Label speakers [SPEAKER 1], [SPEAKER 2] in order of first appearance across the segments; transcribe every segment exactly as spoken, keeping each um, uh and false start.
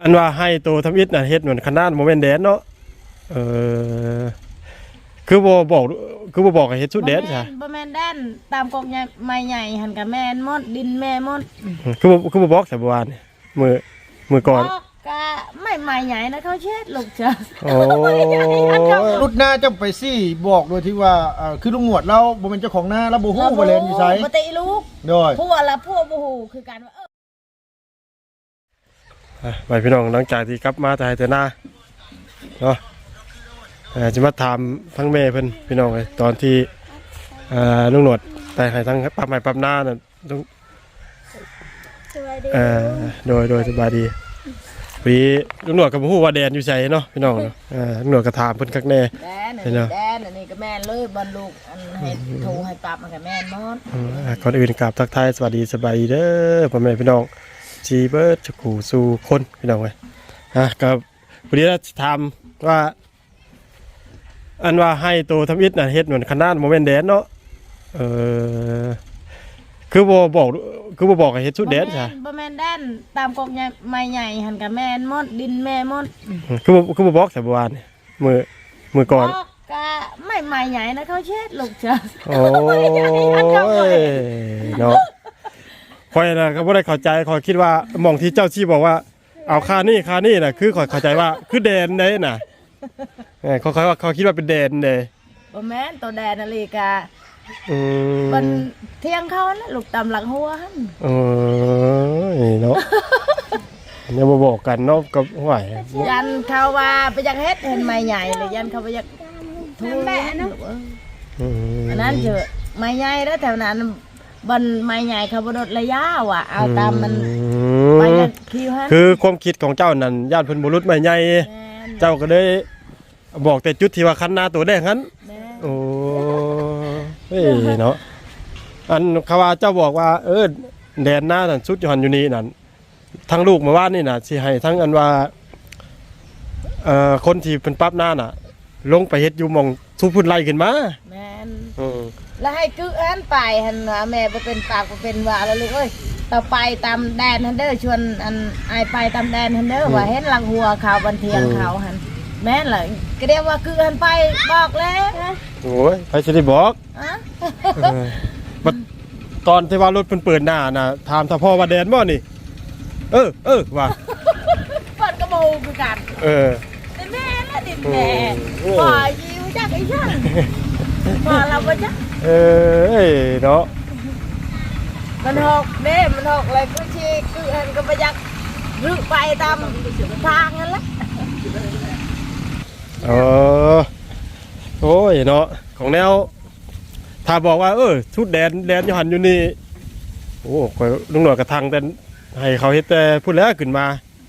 [SPEAKER 1] อันว่าให้โตทำอิฐน่ะเฮ็ดเหมือนขนาดโมเมนต์แดนเนาะเออคือบ่บอกคือบ่บอกให้เฮ็ดสุดแดนใช่
[SPEAKER 2] บ่แม่นแดนตามกกใหญ่ไม้ใหญ่หันกับแม่นหมดดินแม่หมด
[SPEAKER 1] คือบ่คือบ่บอกแต่บ่วานมื้อมื้อก่อน
[SPEAKER 2] ก็ไม่ไม้ใหญ่นะเขาเช็ดลูกจ้ะ
[SPEAKER 1] โอ้
[SPEAKER 3] รุดหน้าจะไปซี่บอกโดยที่ว่าอ่าคือลุงหนวดเราบ่เป็นเจ้าของหน้าแล้วบ่ฮู้บ่เล่นอยู่ไส
[SPEAKER 2] บ่ติลูก
[SPEAKER 3] โดย
[SPEAKER 2] ผู้ว่าละผู้บ่ฮู้คือกันว่า
[SPEAKER 1] เออไปพี่น้องหลังจากที่กลับมาแต่แต่หน้าเนาะเอ่อจะมาถามทั้งแม่เพิ่นพี่น้องเลยตอนที่เอ่อลุงหนวดแต่ให้ทั้งปรับใหม่ปรับหน้าน่ะต้องเอ่อโดยโดยสบายดีปีลุงหนวดกับผู้ว่าแดนอยู่ใส่เนาะพี่น้องเนาะเอ่อลุงหนวดก็ถามเพิ่นคักแน่
[SPEAKER 2] แดนแดนอันนี้ก็แม่นเลยบรรลุอันให้โทรให้ปรับมันก็แม่นหมด
[SPEAKER 1] ก่อนอื่นกราบทักทายสวัสดีสบายดีเด้อพ่อแม่พี่น้องจีเบิร์ดจะขู่สู่คนพี่น้องเลยฮะกับวันนี้เราจะทำว่าอันว่าให้โตทำอิฐน่ะเฮ็ดเหมือนขนาดโมเมนต์แดนเนาะเออคือบ่บอกคือบ่บอกให้เฮ็ดสุดแดนใช่
[SPEAKER 2] บ่แม่นแดนตามกกใหญ่ไม้ใหญ่หันกับแม่นหมดดินแม่หมด
[SPEAKER 1] คือบ่คือบ่บอกแต่บ่วานมื้อมื้อก่อน
[SPEAKER 2] ก็ไม่ไม้ใหญ่นะเขาเช็ดลูกจ้ะ
[SPEAKER 1] โอ้ยเนาะคอยนะก็บ่ได้เข้าใจคอยคิดว่าหม่องที่เจ้าชี้บอกว่าเอาค่านี่ค่านี่น่ะคือคอยเข้าใจว่าคือแดนได้น่ะเออเขาเขาว่าเขาคิดว่าเป็นแดนเด้
[SPEAKER 2] บ่แม่นตัวแดนนาฬิกา
[SPEAKER 1] อืม
[SPEAKER 2] มันเที่ยงเขานะลูกตำหลังหัวหั่น
[SPEAKER 1] เออเนาะยังบ่บอกกันเนาะกับห้วย
[SPEAKER 2] ยันเขาว่าไปอยากเฮ็ดเห็นไม้ใหญ่เลยยันเขาไปอยากทูแม่เนาะอืมอันนั้นเถอะไม้ใหญ่แล้วแถวนั้นบนไม้ใหญ่เขาบ่ลดระยะว่ะเอาตามมันไปกันคิวหั่น
[SPEAKER 1] คือความคิดของเจ้านั่นญาติเพิ่นบ่ลดไม้ใหญ่เจ้าก็เลยบอกแต่จุดที่ว่าคันหน้าตัวแดงนั้นโอ้เฮ้ยเนาะอันเขาว่าเจ้าบอกว่าเออแดนหน้านั่นสุดยอดอยู่นี่นั่นทั้งลูกมาว่านี่น่ะสิให้ทั้งอันว่าเอ่อคนที่เพิ่นปรับหน้าน่ะลงไปเฮ็ดอยู่หม่องทุบพุ่นไล่ขึ้นมา
[SPEAKER 2] แม่น
[SPEAKER 1] อือ
[SPEAKER 2] แล้วให้กึอันไปหั่นว่าแม่บ่เป็นปากบ่เป็นว่าแล้วลูกเอ้ยต่อไปตามแดนหั่นเด้อชวนอันอายไปตามแดนหั่นเด้อว่าเห็นหลังหัวเขาบันเทียงเขาหั่นแม่นล่ะก็เรียกว่าคือหันไปบอกแล้ว
[SPEAKER 1] โอ้ยไปสิได้บอกอ่ะบัดตอนที่ว่ารถเพิ่นเปิดหน้าน่ะถามถ้าพ่อว่าแดนบ่นี่เออเออว่า
[SPEAKER 2] เปิดกระโบคือกัน
[SPEAKER 1] เออ
[SPEAKER 2] แม่ละดิแม่บ่ยิวจักอีช่างบ่เราบ่จัก
[SPEAKER 1] เออเนาะ
[SPEAKER 2] มันหกเด้มันหกเลยคือสิคือหันก็บ่อยากรึไปตามทางนั่นแหละ
[SPEAKER 1] เออโอ้ยเนาะของแนวถ้าบอกว่าเออชุดแดนแดนอยู่หันอยู่นี่โอ้คอยลุงหน่อยกระทังแต่ให้เขาเฮ็ดแต่พูดแล้วขึ้นมา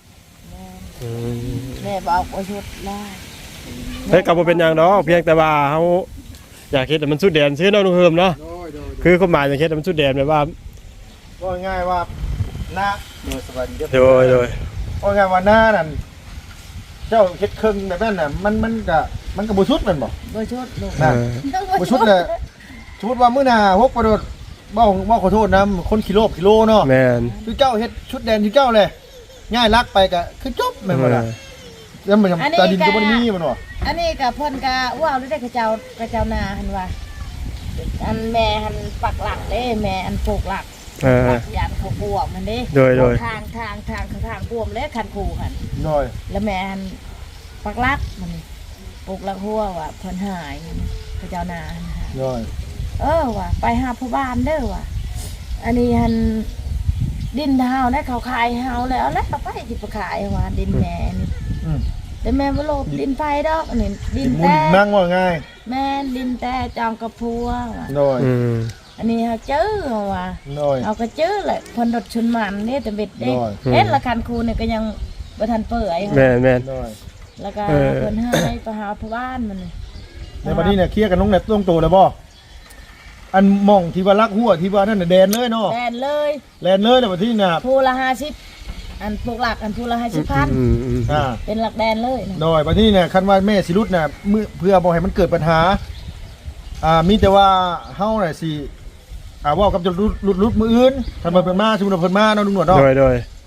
[SPEAKER 2] แม่บอกว่าชุดได้
[SPEAKER 1] เฮ้ยกับบ่เป็นอย่างเนาะเพียงแต่ว่าเขาอยากเฮ็ดแต่มันชุดแดนซื้อเนาะลุงเฮิมเนาะคือความหมายอยากเฮ็ดแต่มันชุดแดนแบบว่า
[SPEAKER 3] ก็ง่ายว่าหน้าโดยสวัสดี
[SPEAKER 1] โดยโดย
[SPEAKER 3] ก็ง่ายว่าหน้านั่นเจ้าเฮ็ดครึ่งแบบนั้นน่ะมันมันก็มันก็บ่ชุดแม่นบ่
[SPEAKER 2] บ่ชุดลูก
[SPEAKER 3] นั่นบ่ชุดเลยสมมุติว่ามื้อหน้าฮกกระโดดบ่บ่ขอโทษนะคนกิโลกิโลเนาะ
[SPEAKER 1] แม่น
[SPEAKER 3] คือเจ้าเฮ็ดชุดแดนที่เจ้าเลยง่ายลักไปก็คือจบแม่นบ่ล่ะแล้วมันตาดินก็บ่มีมันบ่
[SPEAKER 2] อันนี้ก็เพิ่นก็ว้าวได้กระเจ้ากระเจ้านาหั่นว่าอันแม่หั่นปักหลักเด้แม่อันปลูกหลัก
[SPEAKER 1] เออ
[SPEAKER 2] ยันเขาบวมมันเด้
[SPEAKER 1] โดยโดย
[SPEAKER 2] ทางทางทางทางบวมเลยคันคูหั่น
[SPEAKER 3] โดย
[SPEAKER 2] แล้วแม่หั่นปักหลักมันปลูกหลักหัวว่าเพิ่นหายกระเจ้านาหั่น
[SPEAKER 3] โดย
[SPEAKER 2] เออว่ะไปหาพ่อบ้านเด้อว่ะอันนี้หั่นดินเฮาได้เขาขายเฮาแล้วแล้วไปสิไปขายว่าดินแม่นี่อือแต่แม่บ่ลบดินไฟดอกอันนี้ดินแต่
[SPEAKER 3] นั่งว่าง่าย
[SPEAKER 2] แม่ดินแต่จองกระพัวว่ะ
[SPEAKER 3] โดย
[SPEAKER 1] อือ
[SPEAKER 2] อันนี้เฮาเจอว่ะ
[SPEAKER 3] โดย
[SPEAKER 2] เอาก็เจอแหละเพิ่นรถชนมันนี่แต่เบ็ดเด้เฮ็ดละคันคูนี่ก็ยังบ่ทันเปื่อย
[SPEAKER 1] แม่น
[SPEAKER 3] ๆโดย
[SPEAKER 2] แล้วก็เพิ่นให้ไปหาพ่อบ้านมัน
[SPEAKER 3] ในบัดนี้เนี่ยเคลียร์กันน้องเนี่ยต้องโตแล้วบ่อันมองที่ว่าลักหัวที่ว่านั่นน่ะแดนเลยเนาะ
[SPEAKER 2] แดนเลย
[SPEAKER 3] แดนเลยในบัดนี้น่ะ
[SPEAKER 2] ผู้ละห้าสิบอันปลูกหลักอันผู้ละห้าสิบพันอ่าเป็นหลักแดนเลย
[SPEAKER 3] โดยบัดนี้เนี่ยคันว่าแม่สิรุดน่ะเพื่อบ่ให้มันเกิดปัญหาอ่ามีแต่ว่าเฮาน่ะสิอ่าเว้ากับจะรุดรุดรุดมื้ออื่นคันมันเพิ่นมาสมมุติว่าเพิ่นมาเนาะลุงหนวดเนาะ
[SPEAKER 1] โดยโดย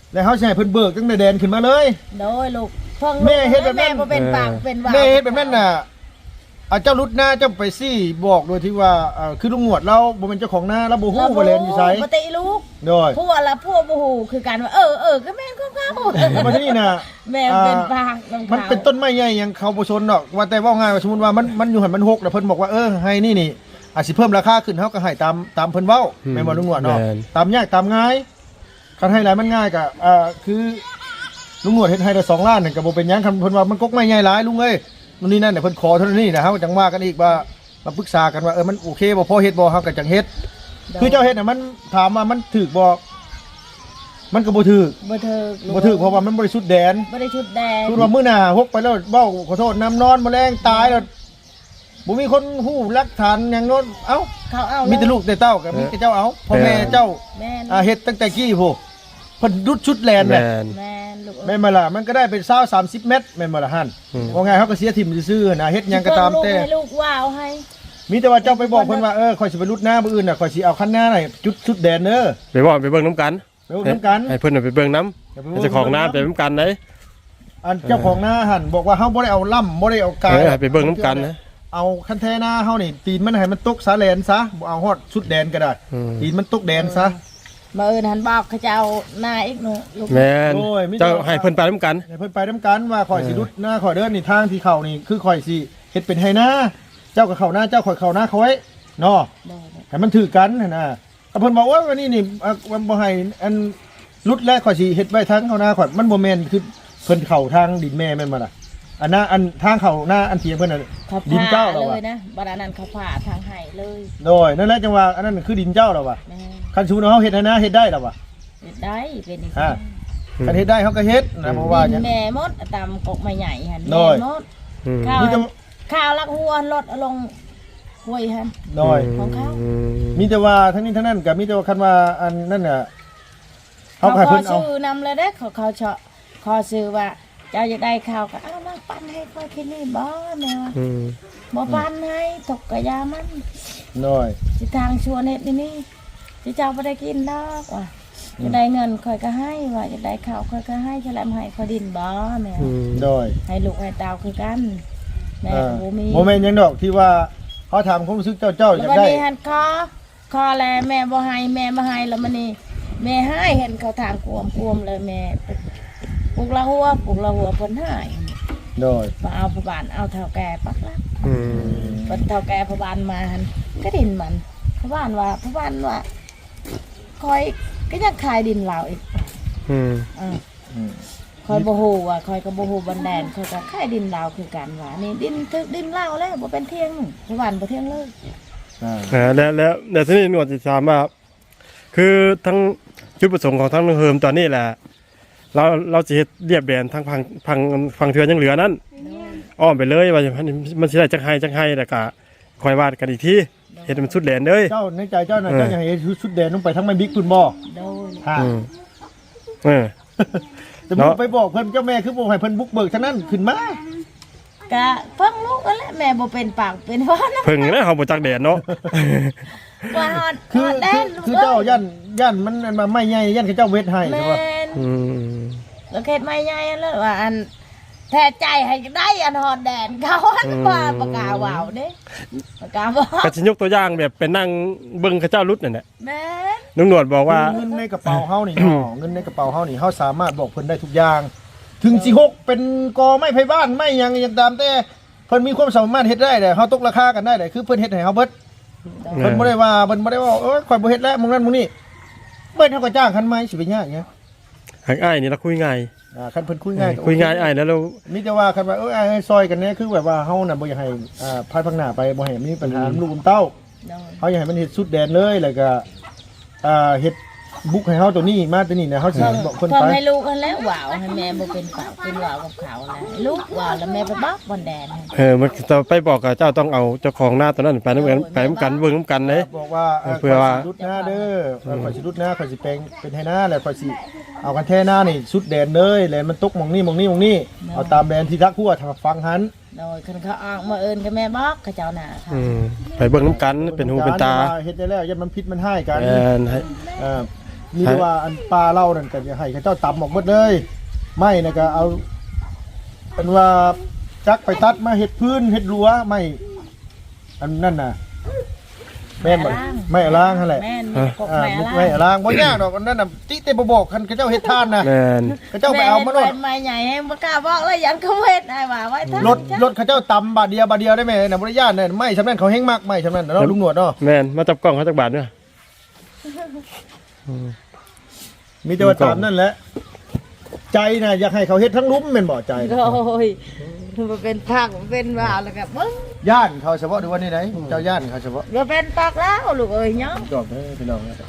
[SPEAKER 3] แล้วเฮาสิให้เพิ่นเบิกตั้งแต่แดนขึ้นมาเลย
[SPEAKER 2] โดยลูกเพิ่ง
[SPEAKER 3] แม่เฮ็ดแบบนั้น
[SPEAKER 2] แม่บ่เป็นปากเป็นว่า
[SPEAKER 3] แม่เฮ็ดแบบนั้นน่ะอาเจ้ารุดหน้าเจ้าไปซี่บอกโดยที่ว่าเอ่อคือลุงหนวดเราบ่เป็นเจ้าของหน้าเราบ่ฮู้ว่าแลนอยู่ไส
[SPEAKER 2] ปกติลูก
[SPEAKER 3] โดย
[SPEAKER 2] พวกละพวกบ่ฮู้คือกันว่าเออเออก็แม่นของเขา
[SPEAKER 3] มาที่นี่น่ะ
[SPEAKER 2] แม่เป็นปากของ
[SPEAKER 3] มัน
[SPEAKER 2] เขา
[SPEAKER 3] เป็นต้นไม้ใหญ่ยังเขาบ่ชนดอกว่าแต่ว่าง่ายว่าสมมุติว่ามันมันอยู่หั่นมันหกแล้วเพิ่นบอกว่าเออให้นี่นี่อาจสิเพิ่มราคาขึ้นเฮาก็ให้ตามตามเพิ่นเว้าแม่นบ่ลุงหนวดเนาะตามยากตามง่ายคันให้หลายมันง่ายก็เอ่อคือลุงหนวดเฮ็ดให้ได้สองล้านนั่นก็บ่เป็นหยังคันเพิ่นว่ามันกกไม้ใหญ่หลายลุงเอ้ยนู่นนี่นั่นเนี่ยเพิ่นขอเท่านี้นะเฮาจังว่ากันอีกว่ามาปรึกษากันว่าเออมันโอเคบ่พอเฮ็ดบ่เฮาก็จังเฮ็ดคือเจ้าเฮ็ดน่ะมันถามว่ามันถูกบ่มันก็บ่ถูก
[SPEAKER 2] บ่ถึก
[SPEAKER 3] บ่ถูกเพราะว่ามันบริสุทธิ์แดน
[SPEAKER 2] บ่ได้ชุดแดง
[SPEAKER 3] พูดว่ามื้อหน้าฮกไปแล้วเว้าขอโทษน้ำนอนแมลงตายแล้วบ่มีคนฮู้หลักฐานหยังโน้นเอ้า
[SPEAKER 2] เขาเอา
[SPEAKER 3] มีแต่ลูกแต่เต้าก็มีแต่เจ้าเอาพ่อแม่เจ้า
[SPEAKER 2] แม่น
[SPEAKER 3] อ่าเฮ็ดตั้งแต่กี้โหเพิ่นดุดชุดแลนแห
[SPEAKER 1] แม่
[SPEAKER 3] ละ
[SPEAKER 1] น
[SPEAKER 2] แม่นลูก
[SPEAKER 3] แม่นบ่ล่ะมันก็ได้เป็นยี่สิบ สามสิบเมตรแม่นบ่ล่ะหั่น
[SPEAKER 1] อืม
[SPEAKER 3] ว่าไงเฮาก็เสียถิ่มซื่อๆนะเฮ็ดหยังก็ตามแต่
[SPEAKER 2] ลูกให้ลูกว่าวให้
[SPEAKER 3] มีแต่ว่าเจ้าไปบอกเพิ่นว่าเออข่อยสิไปรุดหน้ามื้ออื่นน่ะข่อยสิเอาคันหน้าน่ะจุดชุดแดนเด้อ
[SPEAKER 1] ไปบอกไปเบิ่งน้ำกัน
[SPEAKER 3] ไปเอานํกัน
[SPEAKER 1] ให้เพิ่นน่ะไปเบิ่งน้ำเจ้าของน้ำไปน้ำกันได้
[SPEAKER 3] อันเจ้าของหน้าหั่นบอกว่าเฮาบ่ได้เอาล่ำบ่ได้เอากา
[SPEAKER 1] เอย อให้ไปเบิ่งน้ำกันนะ
[SPEAKER 3] เอาคันแท้หน้าเฮานี่ตีนมันให้มันตกสาแลนซะบ่เอาฮอดชุดแดนก็ได้
[SPEAKER 1] อืม
[SPEAKER 3] ตีนมันตกแดนซะ
[SPEAKER 2] มาเอิ้นหันบอกเขาจะเอาหน้าอีกหนูลูก
[SPEAKER 1] แม่น
[SPEAKER 3] โอ้ยมิ
[SPEAKER 1] เจ้าให้เพิ่นไปน้ำกัน
[SPEAKER 3] ให้เพิ่นไปนํกันว่าข่อยสิ
[SPEAKER 1] เออ
[SPEAKER 3] รุดหน้าข่อยเดินนี่ทางที่เข้านี่คือข่อยสิเฮ็ดเป็นให้หน้าเจ้าก็เข้าหน้าเจ้าข่อยเข้าหน้าเขาไว้เนาะ
[SPEAKER 2] ได้
[SPEAKER 3] ให้มันถือกันหั่นน่ะถ้าเพิ่นบอกว่าวันนี้นี่อ่ะวันบ่ให้อันรุดแล้วข่อยสิเฮ็ดไว้ทางเข้าหน้าข่อยมันบ่แม่นคือเพิ่นเข้าทางดินแม่แม่นบ่ล่ะอันน่ะอันทางเข้าหน้าอันเทียงเพิ่นน่ะ
[SPEAKER 2] เขา
[SPEAKER 3] ดิน
[SPEAKER 2] ผ่า
[SPEAKER 3] เจ้า
[SPEAKER 2] เล
[SPEAKER 3] เรา
[SPEAKER 2] ย
[SPEAKER 3] ว่ะ
[SPEAKER 2] นะบัดนั้นเขาผ่าทางไห้เลย
[SPEAKER 3] โดยนั่นแหละจังว่าอันนั้นคือดินเจ้าเราว่ะ
[SPEAKER 2] แม่
[SPEAKER 3] คันชูเฮาเฮ็ดให้นะเฮ็ดได้แล้วว่ะ
[SPEAKER 2] เฮ็ดได้เป็นอีก
[SPEAKER 3] อ่า คันเฮ็ดได้เฮาก็เฮ็ดนะเพราะว่าห
[SPEAKER 2] ดิ
[SPEAKER 3] ยัง
[SPEAKER 2] นแม่มดตามกกไม้ใหญ่หั่น
[SPEAKER 3] น้
[SPEAKER 2] แม่
[SPEAKER 3] อย
[SPEAKER 2] มด
[SPEAKER 1] อืม
[SPEAKER 2] ข้าว
[SPEAKER 3] มีแต่
[SPEAKER 2] ข้าวลักหัวรถเอาลงห้วยหั่น
[SPEAKER 3] น้อย
[SPEAKER 2] ของเขา
[SPEAKER 1] อืม
[SPEAKER 3] มีแต่ว่าทั้งนี้ทั้งนั้นก็มีแต่ว่าคันว่าอันนั่นน่ะเฮา
[SPEAKER 2] เขา
[SPEAKER 3] ให้
[SPEAKER 2] ขอ
[SPEAKER 3] เพิ่นเอา
[SPEAKER 2] ซื้อนำเลยเด้อเขาเขาเฉาะขอซื้อว่าเจ้าอยากได้ข้าวก็เอามาปั้นให้ค่อยกินนี่บ่แม่ว่า
[SPEAKER 1] อืม
[SPEAKER 2] บ่ปั้นให้ตกกะยามัน
[SPEAKER 3] น้อย
[SPEAKER 2] สิทางชวนเฮ็ดนี่นี่สิเจ้าบ่ได้กินดอกว่ะจะได้เงินค่อยก็ให้ว่าจะได้ข้าวค่อยก็ให้ฉลามให้ค่อยดินบ่แม่
[SPEAKER 1] อื
[SPEAKER 2] ว่าม
[SPEAKER 3] น้อย
[SPEAKER 2] ให้ลูกให้เต้าคือกันแม่
[SPEAKER 3] อ่า
[SPEAKER 2] ก็บ่มี
[SPEAKER 3] บ่แม่นหยังดอกที่ว่าเฮาถามความรู้สึกเจ้าเจ้าอ
[SPEAKER 2] แล้ว
[SPEAKER 3] ยาก
[SPEAKER 2] วัน
[SPEAKER 3] ได้
[SPEAKER 2] นี้หันคอคอแลแม่บ่ให้แม่บ่ให้แล้วมันนี่แม่ให้เห็นเขาทางกวมกวมเลยแม่ปลูกละหัวปลูกละหัวเพิ่นให้
[SPEAKER 3] น้อย
[SPEAKER 2] มาเอาผู้บ้านเอาเท่าแก่ปักละ
[SPEAKER 1] อืม
[SPEAKER 2] เพิ่นเท่าแก่ผู้บ้านมาหันก็ดินมันผู้บ้านว่าผู้บ้านว่าคอยก็ยังขายดินเราอีก
[SPEAKER 1] อืม
[SPEAKER 2] อ่า
[SPEAKER 3] อืม
[SPEAKER 2] คอยบ่ฮู้ว่าคอยก็บ่ฮู้บันแดนคอยก็ขายดินเราคือกันว่านี่ดินทึกดินเราแล้วบ่เป็นเที่ยงผู้บ้านบ่เที่ยงเลย
[SPEAKER 3] อ่า
[SPEAKER 1] อ่าแล้วแล้วแล้วทีนี้หนวดสิถามว่าคือทั้งจุดประสงค์ของทั้งเฮิมตอนนี้แหละเราเราจะเฮ็ดเรียบแบนทั้งพังพังพังเทือนยังเหลือนั้นอ้อมไปเลยว่ามันมันสิได้จักไห้จักไห้แล้วก็คอยวาดกันอีกทีเฮ็ดให้มันสุดแหลนเลย
[SPEAKER 3] เจ้าในใจเจ้าน่ะ
[SPEAKER 1] เออ
[SPEAKER 3] เจ้าอยากให้ชุดแดนลงไปทั้งแม่บิ๊กพุ่นบ่
[SPEAKER 2] โดย
[SPEAKER 3] ค่ะ
[SPEAKER 1] อืมเออ
[SPEAKER 3] แต่
[SPEAKER 1] เนาะ
[SPEAKER 3] มึงไปบอกเพิ่นเจ้าแม่คือบ่ให้เพิ่นบุกเบิกทั้งนั้นขึ้นมา
[SPEAKER 2] ก็เพิ่งลูกนั่นแหละแม่บ่เป็นปากเป็นว่านะ
[SPEAKER 1] เพิ่งนะเฮาบ่จักแดดเนาะ
[SPEAKER 2] ว่าฮอด
[SPEAKER 3] คือ
[SPEAKER 2] ฮอดแด
[SPEAKER 3] คือน คือ
[SPEAKER 2] ลูก
[SPEAKER 3] เจ้าย่านย่านมันอันมาไม่ใหญ่ย่านเขาเจ้าเวทให้
[SPEAKER 2] แม่
[SPEAKER 3] ใช่ป่ะ
[SPEAKER 2] น
[SPEAKER 1] อืม
[SPEAKER 2] แล้วเขตไม่ใหญ่แล้วว่าอันแท้ใจให้ได้อันฮอดแดนเขาอันว่าปากกาว่าวเด้ปากกาว่าว
[SPEAKER 1] ก็สิยกตัวอย่างแบบเป็นนั่งเบิ่งเขาเจ้ารุดนั่นแหละ
[SPEAKER 2] แม่น
[SPEAKER 1] ลุงหนวดบอกว่า
[SPEAKER 3] เงินในกระเป๋าเฮานี่ เนาะเงินในกระเป๋าเฮานี่เฮาสามารถบอกเพิ่นได้ทุกอย่าง ถึงสิหกเป็นกอไม้ไผบ้านไม่หยังอย่างตามแต่เพิ่นมีความสามารถเฮ็ดได้แต่เฮาตกราคากันได้แต่คือเพิ่นเฮ็ดให้เฮาเบิด
[SPEAKER 1] เออ
[SPEAKER 3] เพิ่นบ่ได้ว่าเพิ่นบ่ได้ว่าเอ้ยข่อยบ่เฮ็ดแล้วมึงนั้นมึงนี่เบิดเฮาก็จ้างคันใหม่สิไปยากหยัง
[SPEAKER 1] หางอ้ายนี่เราคุยง่าย
[SPEAKER 3] อ่าคันเพิ่นคุยง่ายก็
[SPEAKER 1] คุยง่ายอ้ายแล้วเรา
[SPEAKER 3] มีแต่ว่าคันว่าเอ้ยอ้ายซอยกันเนี่ยคือแบบว่าเฮาน่ะบ่อยากให้อ่าพาดพังหน้าไปบ่ให้มีปัญหาลูกกับเต้า
[SPEAKER 2] โดย
[SPEAKER 3] เขาอยากให้มันเฮ็ดสุดแดนเลยแล้วก็อ่าเฮ็ดบุกให้เฮาตัวนี้มาตัวนี้นะเฮาสิ
[SPEAKER 2] เพิ่ง
[SPEAKER 3] บอกเพิ่น
[SPEAKER 2] เพิ่ง
[SPEAKER 3] ไป
[SPEAKER 2] ให้ลูกกันแล้วว่าวให้แม่บ่เป็นปากเป็นว่าวกับเขาแล้วลูกว่าวแล้วแม่ไปบอกบนแดนให้
[SPEAKER 1] เออมันจะไปบอกกับเจ้าต้องเอาเจ้าของหน้าตัวนั้นไปน้ำกันไปน้ำกันเบิ่งน้ำกันเลย
[SPEAKER 3] บอกว่า
[SPEAKER 1] เพื่อว่า
[SPEAKER 3] ข่ยสิรุดหน้าเด้อเออข่อยสิรุดหน้าข่อยสิแปลงเป็นให้หน้าแล้วข่อยสิเอากันแท้หน้านี่สุดแดนเลยแลนมันตกหมองนี่หมองนี่หมองนี่เอาตามแดนที่ทักหัวทางฟังหัน
[SPEAKER 2] โดยคันเขาออกมาเอิ้นกับแม่บอกเขาเจ้าหน้าค่ะ
[SPEAKER 1] อืมไปเบิ่งน้ำกันเป็นหูเป็นตา
[SPEAKER 3] เฮ็ดได้แล้วยันมันพิษมันให้กัน
[SPEAKER 1] แอนให้
[SPEAKER 3] เออมีแต่ว่าอันปลาเล่านั่นก็จะให้เขาเจ้าตำออกหมดเลยไม่นะก็เอาเป็นว่าจักไปตัดมาเห็ดพื้นเห็ดรั้วไม่อันนั่นน่ะแม่นบ่ไม่ล้างนั่นแหละ
[SPEAKER 2] แม่นกบ
[SPEAKER 3] อ่า
[SPEAKER 2] แม่
[SPEAKER 3] ไม่
[SPEAKER 2] ละ
[SPEAKER 3] ล้างบ่ยากดอกอันนั้นน่ะติเตบ่บอกคันเขาเจ้าเฮ็ดทานน่ะ
[SPEAKER 1] แม่น
[SPEAKER 3] เขาเจ้าไปเอามาโลด
[SPEAKER 2] ไม้ใหญ่ให้บ่กล้าบอกเลยยันเขาเฮ็ดได้ว่าไว้ท่าน
[SPEAKER 3] รถรถเขาเจ้าตำบาทเดียวบาทเดียวได้ไหมน่ะบ่ได้ย่านน่ะไม่สำนั้นเขาแห้งมากไม่สำนั้นน่ะเนาะลุงหนวดเนาะ
[SPEAKER 1] แม่นมาจับกล้องเขาจักบาทเด้อ
[SPEAKER 3] มีแต่ว่าตามนั่นแหละใจน่ะอยากให้เขาเฮ็ดทั้งลุ้มแม่นบ่ใจน่ะ
[SPEAKER 2] โอ้ยมันเป็นภาคมันเป็นว่าแล้วก็เบิ่ง
[SPEAKER 3] ย่านเขาเฉพาะหรือว่านี่ไหนเจ้าย่านเขาเฉพาะ
[SPEAKER 2] บ่เป็นปากแล้วลูกเอ้ยเนาะ
[SPEAKER 3] จบเด้อพี่น้องนะ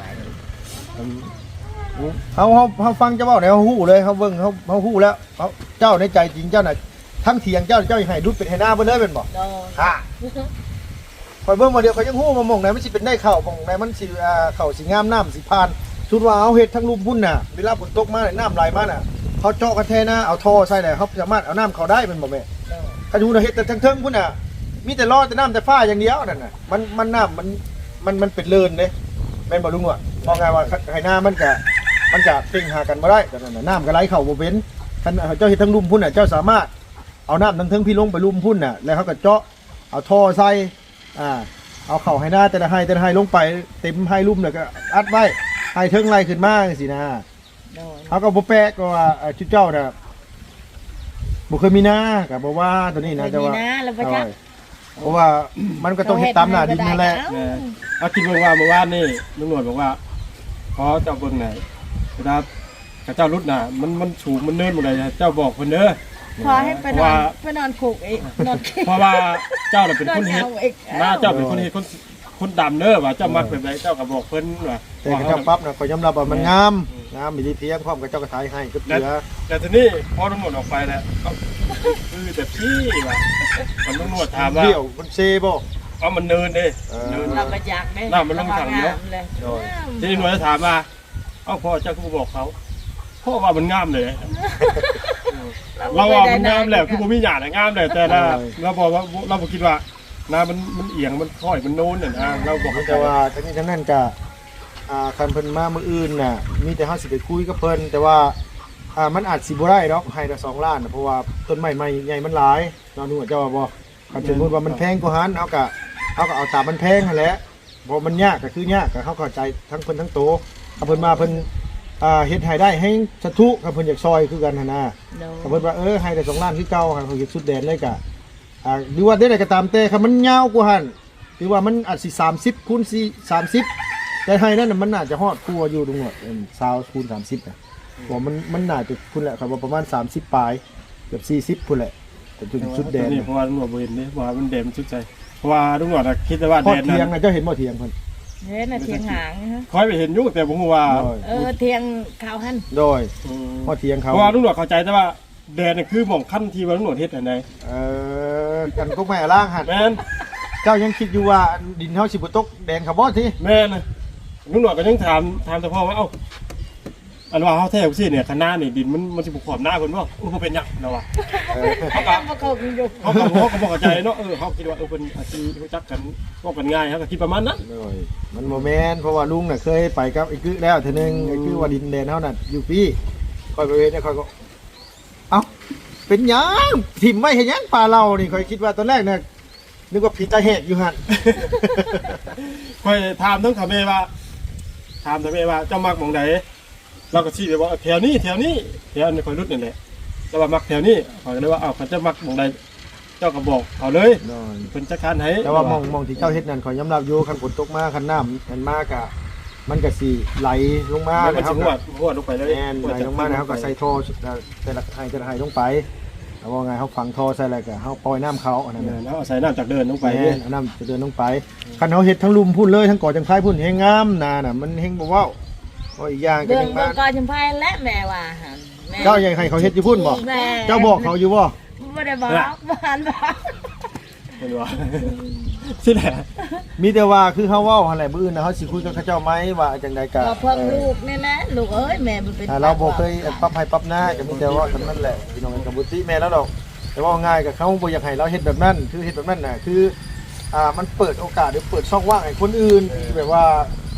[SPEAKER 3] เฮาเฮาเฮาฟังเจ้าเว้าแล้วเฮาฮู้เลยเฮาเบิ่งเฮาเฮาฮู้แล้วเฮาเจ้าในใจจริงเจ้าน่ะทั้งเถียงเจ้าเจ้าให้ดุดเป็นให้หน้าเบิ่เลยเป็นบ่
[SPEAKER 2] โดน
[SPEAKER 3] ฮะคอยเบิ่งมาเดียวเขายังฮู้มาหม่องไหนมันสิเป็นได้เข้าหม่องไหนมันสิอ่าเข้าสิงามน้ำสิผ่านสุดว่าเอาเฮ็ดทั้งลุ่มพุ่นน่ะเวลาฝนตกมาเนี่ยน้ำไหลมาน่ะเขาเจาะกันแท้นะเอาท่อใส่เลยเขาสามารถเอาน้ำเข้าได้เป็นบ่แม่กระดูน่ะเฮ็ดแต่ทั้งเทิงพุ่นน่ะมีแต่รอแต่น้ำแต่ฟ้าอย่างเดียวนั่นน่ะมันมันน้ำมันมันมันเป็นเลินเด้แม่นบ่ลุงว่ามองไงว่าไห้หน้ามันก็มันจะเป่งหากันบ่ได้แต่นั่นน่ะน้ำก็ไหลเข้าบ่เป็นคันเจ้าเฮ็ดทั้งลุ่มพุ่นน่ะเจ้าสามารถเอาน้ำทั้งเทิงพี่ลงไปลุ่มพุ่นน่ะแล้วเขาก็เจาะเอาท่อใส่อ่าเอาเข่าให้หน้าแต่ละให้แต่ละให้ลงไปเต็มให้ลุ่มแล้วก็อัดไว้ให้เทิงไหลขึ้นมาจังซี่นะ
[SPEAKER 2] โดน
[SPEAKER 3] เขาก็บ่แปลกก็ว่าเอ่อชุดเจ้าน่ะบ่เคยมีหน้าก็บ่ว่าตัวนี้นะแต่ว่า
[SPEAKER 2] นะแล้วบ่จัก
[SPEAKER 3] เพราะว่ามันก็ต้องเฮ็ดตามหน้าดินนั่นแหละ
[SPEAKER 1] แม่เอาคิดเบิ่งว่าเมื่อวานนี่ลุงหนวดบอกว่าขอเจ้าเบิ่งหน่อยเวลาเจ้ารุดน่ะมันมันสูงมันเนินหมดเลยเจ้าบอกเพิ่นเด้อ
[SPEAKER 2] พอให้ไปนอนไปนอนคุกอีกนอน
[SPEAKER 1] เพราะว่าเจ้าน่ะเป็นคนเฮ็ด
[SPEAKER 2] นอนเอาอีก
[SPEAKER 1] หน้าเจ้าเป็นคนเฮ็ดคนคนดำเด้อว่าเจ้ามักแบบใดเจ้าก็บอกเพิ่นว่า
[SPEAKER 3] แต่กระเจ้าปั๊บน่ะก็ยอมรับว่ามันงามงามมีดีเทียมพร้อมกับเจ้าก็ถ่ายให้กับเห
[SPEAKER 1] แต่
[SPEAKER 3] ลือ
[SPEAKER 1] แต่ทีนี้พอลุงหนวดออกไปแล้วเอ้าคือแต่พี่ว่ามันลุงหนวดถามว่า
[SPEAKER 3] เดี่ยวมันเซบ่
[SPEAKER 1] เอามันเนินเด้
[SPEAKER 3] เออ
[SPEAKER 1] เนิน
[SPEAKER 2] เราไปจักเด้
[SPEAKER 1] น้ำมันลงถังเนอะ
[SPEAKER 2] เลย
[SPEAKER 3] โดย
[SPEAKER 1] ทีนี้หนวดจะถามว่าเอ้าพ่อเจ้าก็บอกเขาพ่อว่ามันงามเลยเราว่ามันงามแหละคือบ่มีหยาดงามเลยแต่ละเราบอกว่าเราบ่คิดว่าน้ามันมันเอียงมันค่อยมันโน้นน่ะนะเราบอก
[SPEAKER 3] แต่ว่าทั้งนี้ทั้งนั้นก็อ่าคันเพิ่นมามื้ออื่นน่ะมีแต่เฮาสิไปคุยกับเพิ่นแต่ว่าอ่ามันอาจสิบ่ได้ดอกให้ละสองล้านน่ะเพราะว่าต้นไม้ใหม่ใหญ่มันหลายเนาะนึกว่าเจ้าว่าบ่คันสมมุติว่ามันแพงกว่าหันเฮาก็เฮาก็เอาตามมันแพงนั่นแหละบ่มันยากก็คือยากก็เฮาเข้าใจทั้งเพิ่นทั้งโตถ้าเพิ่นมาเพิ่นอ่าเฮ็ดให้ได้ให้สะทุถ้าเพิ่นอยากซอยคือกันหั่นน่ะ
[SPEAKER 2] โดน
[SPEAKER 3] ถ้าเพิ่นว่าเออให้ได้สองล้านคือเก่าคันเขาเฮ็ดสุดแดนเลยก็อ่าหรือว่าได้ใดก็ตามแต่คันมันยาวกว่าหั่นหรือว่ามันอาจสิสามสิบคูณสี่ สามสิบแต่ให้นั่นน่ะมันน่าจะฮอดกว่าอยู่ตรงนั้นเอิ่มยี่สิบคูณสามสิบน่ะบ่มันมันน่าจะพุ่นแหละครับว่าประมาณสามสิบปลายเกือบสี่สิบพุ่นแหละแต่จนสุดแดน
[SPEAKER 1] นี่เพราะว่าลุงหนวดบ่เห็นนี่เพราะว่ามันแดนมันสุดใจเพราะว่าลุงหนวดอะคิดแต่ว่า
[SPEAKER 3] พอ
[SPEAKER 1] แดน
[SPEAKER 3] เทียง
[SPEAKER 1] นั้น
[SPEAKER 3] น่ะเจ้าเห็นบ่เทียงเพิ่น
[SPEAKER 2] เฮ้ยน่ะเทียงหางนะฮะ
[SPEAKER 1] คอยไปเห็นอยู่แต่ผมว่า
[SPEAKER 3] โดย
[SPEAKER 2] เออเทียงข้าวหั่น
[SPEAKER 3] โดยพอเทียง
[SPEAKER 1] เพ
[SPEAKER 3] เขา
[SPEAKER 1] ราะว่าลุงหนวดเข้าใจแต่ว่าแดนน่ะคือหม่องขั้นที่ว่าลุงหนวดเฮ็ดอันใด
[SPEAKER 3] เอ่อกันก็ไม่ล่างหั่น
[SPEAKER 1] แม่น
[SPEAKER 3] เจ้ายังคิดอยู่ว่าดินเฮาสิบ่ตกแดงเขาบ่ติ
[SPEAKER 1] แม่นลุงหนวดก็ยังถามถามแต่พ่อว่าเอ้าอันว่าเฮาแท้ซี่เนี่ยคณะนี่ดินมันมันสิบ่ขอบหน้าเพิ่นบ่เออบ่เป็นหยังเนาะว่า
[SPEAKER 3] เออ
[SPEAKER 1] เขาก็
[SPEAKER 2] บ่เข้ากันอยู่
[SPEAKER 1] เขาก็เขาก็บ่เข้าใจเนาะเออเขาคิดว่าเออเพิ่นอาจสิรู้จักกันก็กันง่ายเขาก็คิดประมาณนั้น
[SPEAKER 3] โดยมันบ่แม่นเพราะว่าลุงน่ะเคยไปกับไอ้กึแล้วเทื่อนึงไอ้กึว่าดินแดนเฮาน่ะอยู่พี่ค่อยไปเวทเนี่ยค่อยก็เอ้าเป็นหยังถิ่มไว้เฮ็ดหยังปลาเรานี่ค่อยคิดว่าตอนแรกเนี่ยนึกว่าผีตาแหกอยู่หั่น
[SPEAKER 1] ค่อยถามทั้งเขาแม่ว่าถามทั้งแม่ว่าเจ้ามักหม่องใดเราก็ชี้ไปว่าแถวนี้แถวนี้แถวนี้ค่อยรุดนี่แหละแล้วว่ามักแถวนี้เขาก็เลยว่าอ้าวเขาจะมักหม่องใดเจ้าก็บอกเขาเลย
[SPEAKER 3] โดย
[SPEAKER 1] เพิ่นจัดการให้
[SPEAKER 3] แต่ว่ามองมองที่เจ้าเฮ็ดนั่นขอยยอมรับอยู่คันฝนตกมาคันน้ำมันมากอะมันก็สิไหลลงมา
[SPEAKER 1] มัน
[SPEAKER 3] นะค
[SPEAKER 1] สิ
[SPEAKER 3] รับ
[SPEAKER 1] หัวหัวลงไปเลย
[SPEAKER 3] แม่นไหลลงมาแล้วก็ใส่ท่อแต่ละให้แต่ละให้ลงไปแล้วว่าไงเฮาฝังท่อใส่อะไรก็เฮาปล่อยน้ำเขาอันนั้น
[SPEAKER 1] เอ
[SPEAKER 3] น่ะ
[SPEAKER 1] อแล้วเอาใส่น้ำจากเดินลงไป
[SPEAKER 3] ไป
[SPEAKER 1] เนี่ย
[SPEAKER 3] น้ำจะเดินลงไปคันเขาเฮ็ดทั้งลุมพุ่นเลยทั้งก่อจังไคพุ่นเฮงงามนาน่ะมันเฮงบ่เว้าเพราะอีกอย่างก็
[SPEAKER 2] เบิ่ง
[SPEAKER 3] ยัง
[SPEAKER 2] เบิ่
[SPEAKER 3] มาง
[SPEAKER 2] ก่อนจำไพและแม่ว่าหั่นแม่
[SPEAKER 3] เจ้ายังให้เขาเฮ็ดอยู่พุ่นบ่
[SPEAKER 2] แม่
[SPEAKER 3] เจ้าบอกเขาอยู่บ่
[SPEAKER 2] บ่ได้บอกบ่หันบอก
[SPEAKER 1] เห็นบ่สิแหละ
[SPEAKER 3] มีแต่ว่าคือเฮาเว้าหั่นแหละมื้ออื่นน่ะเฮาสิคุยกับเขาเจ้าไหมว่าจังใดก็
[SPEAKER 2] เราเพิ่งลูกนี่นะลูกเอ้ยแม่มันเป็น
[SPEAKER 3] ถ้าเราบ่เคยปรับให้ปรับหน้าก็มีแต่ว่าเท่านั้นแหละพี่น้องกับบุตรีแม่แล้วดอกแต่ว่าง่ายกับเขาบ่อยากให้เราเฮ็ดแบบนั้นคือเฮ็ดแบบนั้นน่ะคืออ่ามันเปิดโอกาสหรือเปิดช่องว่างให้คนอื่นที่แบบว่า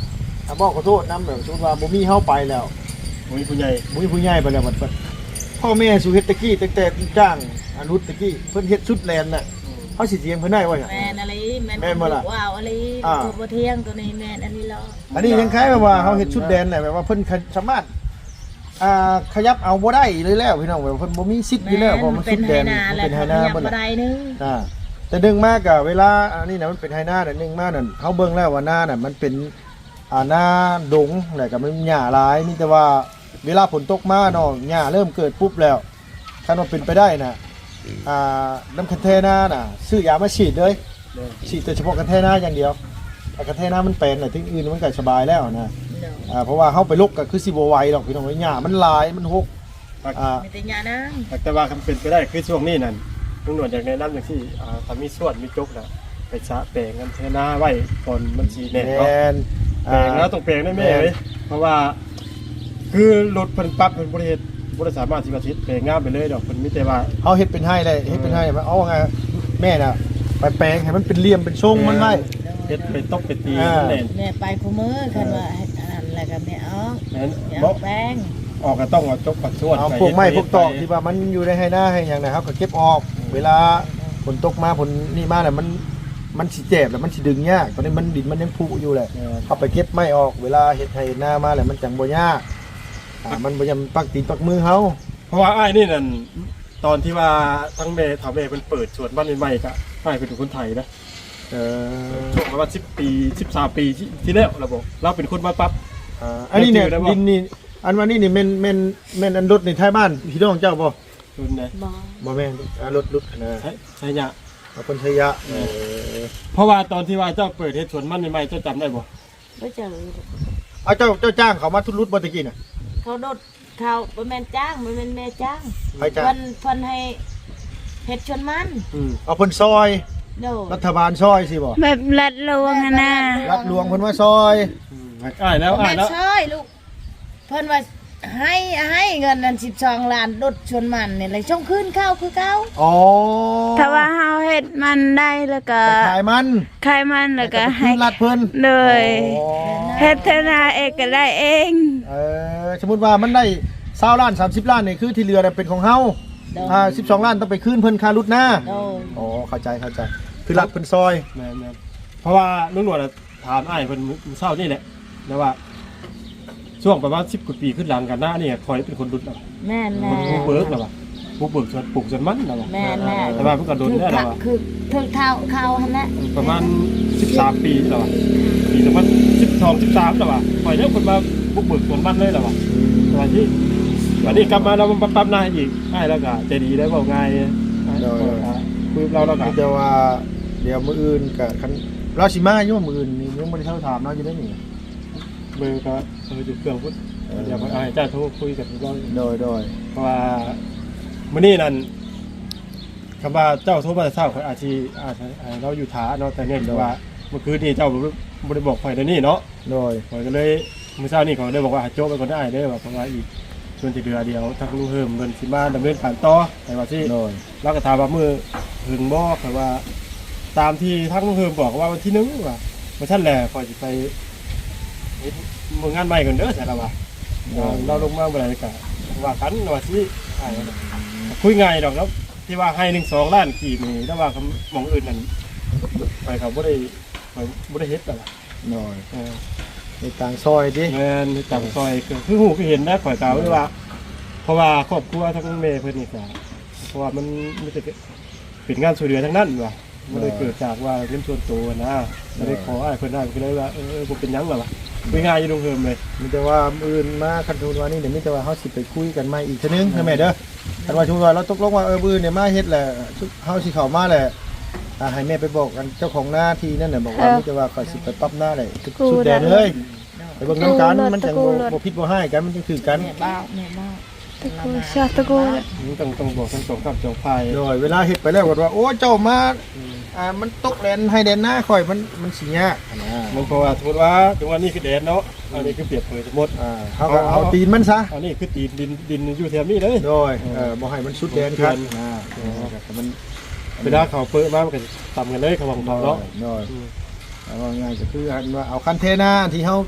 [SPEAKER 3] อ่ะบอกขอโทษนำแบบสมมุติว่าบ่มีเฮาไปแล้ว
[SPEAKER 1] บ่มีผู้ใหญ่
[SPEAKER 3] บ่มีผู้ใหญ่ไปแล้วบัดบัดพ่อแม่สู่เฮ็ดตะกี้ตั้งแต่จ้างอนุตะกี้เพิ่นเฮ็ดชุดแลนน่ะเฮาสิเถียงเพิ่นได้ว่าหยัง
[SPEAKER 2] แม่นอะไรแม่น
[SPEAKER 3] แม่นบ่ล่ะ
[SPEAKER 2] ว้าวอะไร
[SPEAKER 3] อ่า
[SPEAKER 2] ตัวบ่เที่ยงตัวนี้แม่นอันนี้ล้อ
[SPEAKER 3] อันนี้ยังคล้ายแบบว่าเฮาเฮ็ดชุดแดนน่ะแบบว่าเพิ่นสามารถอ่าขยับเอาบ่ได้เลยแล้วพี่น้องแบบเพิ่นบ่มีสิทธิ์อยู่แล้วเพราะมันชุดแดน
[SPEAKER 2] มั
[SPEAKER 3] มัน
[SPEAKER 2] เป็
[SPEAKER 3] เป็น น
[SPEAKER 2] ไฮ
[SPEAKER 3] ไฮ
[SPEAKER 2] นา
[SPEAKER 3] นา
[SPEAKER 2] แล้ว
[SPEAKER 3] เบิด
[SPEAKER 2] บ่ได้นึง
[SPEAKER 3] อ่าแต่ดึงมากอะเวลาอันนี้นะมันเป็นไฮนาแต่ดึงมากนั่นเขาเบิ่งแล้วว่าหน้าน่ะมันเป็นอ่าหน้าดงแต่ก็มันหญ้าหลายมีแต่ว่าเวลาฝนตกมาเนาะหญ้าเริ่มเกิดปุ๊บแล้วถ้ามันเป็นไปได้น่ะอ่าน้ำคันเทน่าน่ะซื้อยามาฉีดเลยฉีดแต่เฉพาะคันเทน่าอย่างเดียวแต่คันเทน่ามันเป็นน่ะที่อื่นมันก็สบายแล้วนะอ่าเพราะว่าเฮาไปลกก็คือสิบ่ไหวหรอกพี่น้องหญ้ามันหลายมันหกอ่า
[SPEAKER 2] มีแต่ยานะ
[SPEAKER 1] แต่ว่าคำเป็นไปได้คือช่วงนี้นั่นลุงหนวดอยากแนะนำอย่างที่อ่าถ้ามีส่วนมีจกน่ะไปสะแปลงกันเทนาไว้ก่อนมันสิแน่
[SPEAKER 3] แม
[SPEAKER 1] เนาะ
[SPEAKER 3] น
[SPEAKER 1] แปลงแล้วต้องแปลงได้แม่เว้ยเพราะว่าคือรถเพิ่นปรับเพิ่นบ่ได้เฮ็ดบ่ได้สามารถสิว่าสิแปลงงามไปเลยดอกเพิ่นมีแต่ว่า
[SPEAKER 3] เขาเฮ็ดเป็นให้เลยเฮ็ดเป็นให้เอาไงแม่น่ะไปแปลงให้มันเป็นเหลี่ยมเป็นทรงมันไว้
[SPEAKER 1] เฮ็ดไปตกไปตี
[SPEAKER 3] อ่า
[SPEAKER 1] มันแน่น
[SPEAKER 2] แม่ไปคู่มือคันว่าเฮ็ดอันนั้นแล้วก็แม่เอา
[SPEAKER 1] นั้น
[SPEAKER 2] อย่า
[SPEAKER 1] บ่
[SPEAKER 2] แป้ง
[SPEAKER 1] ออกก็ต้องเอาจกปัดส่วน
[SPEAKER 3] เอา
[SPEAKER 1] ไป
[SPEAKER 3] พวกไม้
[SPEAKER 1] เฮ็ด
[SPEAKER 3] พวกตอก
[SPEAKER 1] ไป
[SPEAKER 3] ที่ว่ามันอยู่ในให้หน้าให้อย่างนะครับก็เก็บออก เวลาฝนตกมาฝนนี่มาเนี่ยมันมันสิเจ็บแล้วมันสิดึงยากตอนนี้มันดินมันยังผุอยู่เลยเอาไปเก็บไม้ออกเวลาเฮ็ดให้หน้ามาแล้วมันจังบ่ยากอ่ามันบ่ยำปักตีนปักมือเฮา
[SPEAKER 1] เพราะว่าอ้ายนี่นั่นตอนที่ว่าทั้งแม่ถามแม่เพิ่นเปิดสวนบ้านใหม่ๆก็อ้ายเป็นคนไทยนะ
[SPEAKER 3] เออ
[SPEAKER 1] ช่วงประมาณสิบปีสิบสามปีที่ที่แล้วเราบอกเราเป็นคนมาปั๊บ
[SPEAKER 3] อ่าอันนี้เนี่ย
[SPEAKER 1] ได้บ่
[SPEAKER 3] ดินนี่อันว่านี่นี่แม่นแม่นแม่นอันรถในท้ายบ้านพี่น้องเจ้าบ่
[SPEAKER 1] รุ่นไหน
[SPEAKER 2] บ่
[SPEAKER 3] บ่แม่นอ่ารถรถนะ
[SPEAKER 1] ใช่ใช่ยะ
[SPEAKER 3] เอาคนชัยยะเออ
[SPEAKER 1] เพราะว่าตอนที่ว่าเจ้าเปิดเฮ็ดสวนมันใหม่ๆเจ้าจำได้บ่
[SPEAKER 2] บ่เจอ
[SPEAKER 3] เอาเจ้าเจ้าจ้างเขามาทุรุดบ่ตะกี้น่ะ
[SPEAKER 2] เขาโดดเขาบ่แม่นจ้างบ่แม่นแม่จ้าง
[SPEAKER 3] ไปจ้าง
[SPEAKER 2] เพิ่นเพิ่นให้เฮ็ดชวนมัน
[SPEAKER 1] อืม
[SPEAKER 3] เอาเพิ่นซอย
[SPEAKER 2] โดด
[SPEAKER 3] รัฐบาลซอยสิบ่
[SPEAKER 4] แบบรัดลวงอะนะ
[SPEAKER 3] รัฐหลวงเพิ่นว่าซอย
[SPEAKER 1] อืมอ้ายแล้ว
[SPEAKER 2] บ่
[SPEAKER 1] อ้า
[SPEAKER 2] แม่
[SPEAKER 1] ย
[SPEAKER 2] น
[SPEAKER 1] แล้ว
[SPEAKER 2] ใช่ลูกเพิ่นว่าให้ให้เงินนั่นสิบสองล้านดดชวนมันนี่เลยช่องคืนข้าวคือเก่า
[SPEAKER 3] อ๋อ
[SPEAKER 4] ถ้าว่าเฮาเฮ็ดมันได้แล้วก็
[SPEAKER 3] ไปขายมัน
[SPEAKER 4] ขายมันแล้วก็
[SPEAKER 3] ให้
[SPEAKER 4] ให้
[SPEAKER 3] รัฐเพิ่น
[SPEAKER 4] เลย
[SPEAKER 3] อ๋อ
[SPEAKER 4] เฮ็ดธนาเองก็ได้เอง
[SPEAKER 3] เออสมมุติว่ามันได้20ล้านสามสิบล้านนี่คือที่เหลือน่ะเป็นของเฮา
[SPEAKER 2] โดด
[SPEAKER 3] อ่าสิบสองล้านต้องไปคืนเพิ่นค่ารถหน้า
[SPEAKER 2] โดด
[SPEAKER 3] อ๋อเข้าใจเข้าใจคือรัฐเพิ่นซอย
[SPEAKER 1] แม่นๆเพราะว่าลุงหนวดอะถามอ้ายเพิ่นมื้อเช้านี่แหละนะว่า ช่วงประมาณสิบกว่าปีขึ้นหลังกันหน้านี่คอยเป็นคนดุดเอา
[SPEAKER 2] แม่น
[SPEAKER 1] ค
[SPEAKER 2] แม่
[SPEAKER 1] นผู้เบิกแล้วว่ะผู้เบิกสวนปลูกสวนมันแล้วว่ะ
[SPEAKER 2] แม่นแม่
[SPEAKER 1] แต่ว่าเพิ่นก็โดนได้แล้วว่ะ
[SPEAKER 2] คือถึงเท้าเขาหั่นแหละ
[SPEAKER 1] ประมาณสิบสามปีแล้วว่ะปีสองพันสิบสองสิบสามแล้วว่ะคอยเนี่ยคนมาบุกเบิกสวนมันเลยแล้วว่ะสวัสดีวันนี้กลับมาเรามาปั๊บหน้าอีกให้แล้วก็ใจดีได้บอกง่ายคุยเราแล้วก็
[SPEAKER 3] มีแต่ว่าเดี๋ยวมื้ออื่นก็คันเราสิมาอยู่มื้ออื่นนี่ยังบ่ได้เท่าถามเนาะอยู่ได้นี่
[SPEAKER 1] เบอร์ก็เออจุดเครื่องพุทธเดี๋ยวให้เจ้าโทรคุยกันเรา
[SPEAKER 3] โดยโดย
[SPEAKER 1] เพราะว่ามื้อนี้นั่นคำว่าเจ้าโทรมาแต่เช้าข่อยอาจสิอาจเราอยู่ท้าเนาะแต่เนี่ยว่าเมื่อคืนนี้เจ้าบ่ได้บอกข่อยเดี๋ยวนี้เนาะ
[SPEAKER 3] โดย
[SPEAKER 1] ข่อยก็เลยมื้อเช้านี้ข่อยก็เลยบอกว่าโจ้ไปก่อนได้เด้อว่าเพราะว่าอีกส่วนที่เหลือเดียวทางลุงเฮิมเพิ่นสิมาดำเนินการต่อแต่ว่าสิ
[SPEAKER 3] โดย
[SPEAKER 1] เราก็ถามว่ามื้อถึงบ่ข่อยว่า ตามที่ทางลุงเฮิมบอกว่าวันที่หนึ่งว่าว่าซั่นแหละข่อยสิไปเฮ็ดมื้องานใหม่กันเด้อใช่ล่ะว่าเราลงมาบ่ได้ก็ว่ากันว่าสิให้คุยง่ายดอกแล้วที่ว่าให้หนึ่ง สองล้านกีบนี่แต่ว่าคำหม่องอื่นนั่นไปเขาบ่ได้ข่อยบ่ได้เฮ็ดแต่ล่ะ
[SPEAKER 3] โดย
[SPEAKER 1] เออ
[SPEAKER 3] ในต่างซอยดิ
[SPEAKER 1] แม่นจังซอยคือคือหูคือเห็นนะข่อยกล่าวไว้ว่า เพราะว่าครอบครัวทั้งแม่เพิ่นนี่ก็เพราะว่ามันมันจะเป็นงานช่วยเหลือทั้งนั้นว่ะมันเลยเกิดจากว่าเรื่องส่วนตัวนะก็เลยขออ้ายเพิ่นได้ก็เลยว่าเออบ่เป็นหยังหรอกว่ะคุยง่ายอยู่ลงเฮิมเลย
[SPEAKER 3] มีแต่ว่ามื้ออื่นมาคันทุนว่านี่เดี๋ยวมีแต่ว่าเฮาสิไปคุยกันใหม่อีกเทื่อนึงนะแม่เด้อคันว่าชุมว่าเราตกลงว่าเออมื้ออื่นเนี่ยมาเฮ็ดแหละเฮาสิเข้ามาแหละอ่าให้แม่ไปบอกกันเจ้าของหน้าที่นั่นน่ะบอกว่ามีแต่ว่าก็สิไปปรับหน้าได้ทุกสุดแดนเลยไปเบิ่งนํกันมันจังบ่บ่ผิดบ่ให้กันมันจังถือกัน
[SPEAKER 2] แม่บ้าแม่บ้า
[SPEAKER 4] ตะกูชาตะกู
[SPEAKER 1] มันต้องต้องบอกทั้งสองกับสองฝ่าย
[SPEAKER 3] โดยเวลาเฮ็ดไปแล้วก็ว่าโอ้เจ้ามาอ่ามันตกแดนให้แดนหน้าข่อยมันมันสิยากนะ
[SPEAKER 1] มันเพราะว่าสมมุติว่าถึงวันนี้คือแดนเนาะอันนี้คือเปรียบเผยสมมุติ
[SPEAKER 3] อ่าเฮาก็เอาตีนมันซะ
[SPEAKER 1] อันนี้คือตีนดินดินอยู่แถวนี้เลย
[SPEAKER 3] โดยเออบ่ให้มันสุดแดนครับอ่าแต่มัน
[SPEAKER 1] เวลาเขาเปิดมามันก็ต่ำกันเลยเขาบอกเขาเนาะ
[SPEAKER 3] โดยเอาง่ายๆก็คืออันว่าเอาคันเทน่าที่เฮา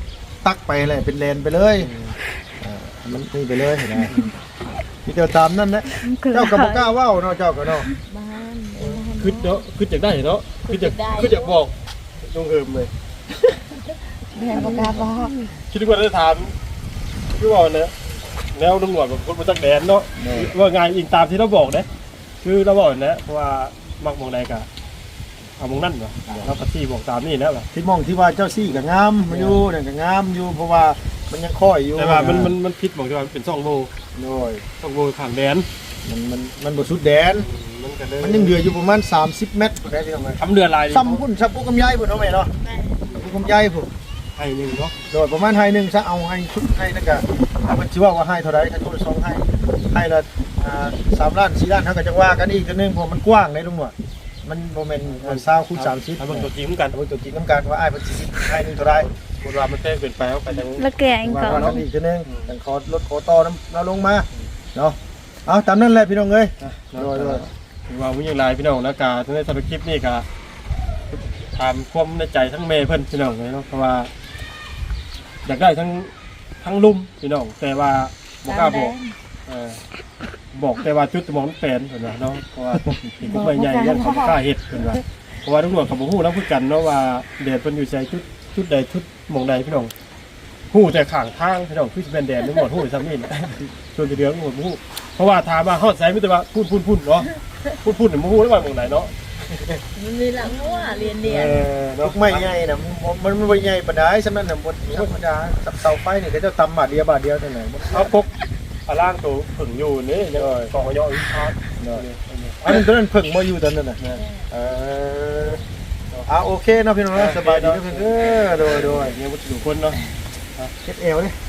[SPEAKER 3] ตักไปเลยเป็นเลนไปเลยอ่ามันนี่ไปเลยนะมีเจ้าตามนั่นนะเจ้าก็บ่กล้าเว้าเนาะเจ้าก็เนาะ
[SPEAKER 2] บ้าน
[SPEAKER 1] คือเนาะคืออยากได้เนาะคืออยากคืออยากบอกลงเอิมเลย
[SPEAKER 2] เรียนบ่กล้าบอก
[SPEAKER 1] คิดว่าได้ถามคือว่าเนี่ยแนวตำรวจแบบคนมาจากแดนเนาะว่าไงอิงตามที่เราบอกนะคือเราบอกนะเพราะว่ามักมองใดกะเอามองนั่นเหรอเราพัที่บอกตามนี่นะแบบ
[SPEAKER 3] ที่มองที่ว่าเจ้าซี่ก็งามมาอยู่นั่นก็งามอยู่เพราะว่ามันยังค่อยอยู่
[SPEAKER 1] แต่ว่ามันมันมันผิดบอกที่ว่ามันเป็นซ่องโบ
[SPEAKER 3] โอ้ย
[SPEAKER 1] ซ่องโบผ่านแดน
[SPEAKER 3] มันมันมันบ่สุดแดน
[SPEAKER 1] มันก็เลย
[SPEAKER 3] มันยังเหลืออยู่ประมาณสามสิบเมตรได้พี่น้องเอ้ย
[SPEAKER 1] ทำเรือลาย
[SPEAKER 3] ซ้ำพุ่นซับปุ๊กกำไยพุ่นเอาไหมเนาะปุ๊กกำไยพุ่น
[SPEAKER 1] ไอ้หนึ่งเนาะ
[SPEAKER 3] โดยประมาณให้หนึงซะเอาให้ชุดให้นั่นก็เอามันสิว่าว่าให้เท่าใดถ้าโทรสองให้ให้ละอ่าสามล้านสี่ล้านเฮาก็จะว่ากันอีกเทื่อนึงเพราะมันกว้างได้ลุงหนวดมันบ่แม่นมัน20คูณ30
[SPEAKER 1] ทำเป็นตัวจริงเหมือนกัน
[SPEAKER 3] เอาเป็นตัวจริงนํกันว่าอ้ายเพิ่นสิให้หนึงเท่าใด
[SPEAKER 1] คนว่ามันแท้เป็นไปเอาไปทาง
[SPEAKER 4] แล้วแกง
[SPEAKER 3] ว่า
[SPEAKER 4] ก็
[SPEAKER 3] กันอีกเทื่อนึงแต่ขอลดขอต่อน้ำเราลงมาเนาะเอาตามนั้นแหละพี่น้องเอ้ยโดยโดย
[SPEAKER 1] ว่าวิ่งลายพี่น้องนะกาทั้งในสารคลิปนี่กาถามความในใจทั้งเมย์เพิ่นพี่น้องเลยเนาะเพราะว่าอยากได้ทั้งทั้งลุ่มพี่น้องแต่ว่าบอกกล้าบอกเออบอกแต่ว่าจุดสมองมันเป็นเห็นไหมเนาะเพราะว่าถึงก็ไม่ใหญ่ยังเขาบ่กล้าเห็ดเห็นไหมเพราะว่าทุกหน่วยกับผู้แล้วพูดกันเนาะว่าเดชเพิ่นอยู่ใจจุดจุดใดจุดหมองใดพี่น้องหู้แต่ข้างทางพี่น้องคือสิเป็นแดนทั้งหมดหู้ซ้ำนี่นะส่วนจะเดือดทั้งหมดหู้เพราะว่าถามว่าฮอดไสมิแต่ว่าพูดพูดพูดเนาะพูดพูดเนี่ยหู้แล้วว่าหมองไหนเนาะ
[SPEAKER 2] มันมีหลังหัวเรียนเรียน
[SPEAKER 3] ดอกไม้ใหญ่น่ะมันมันบ่ใหญ่ปานใดสำนั้นน่ะบ่ธรรมดาเสาไฟนี่ก็จะตำบาทเดียวบาทเดียวเท่านั้น
[SPEAKER 1] เอาพกอาล่างตัวผึ่งอยู่นี่ยังกองย่ออีกพาร์ท
[SPEAKER 3] อันนั้นตอนนั้นเพิ่งมาอยู่ตอนนั้นน่ะเอออ่าโอเคเนาะพี่น้องเนาะสบายดีเนาะเพิ่นเด้อโดยโดย
[SPEAKER 1] เนี่ยวัตถุคนเนาะ
[SPEAKER 3] เฮ็ดเอวเด้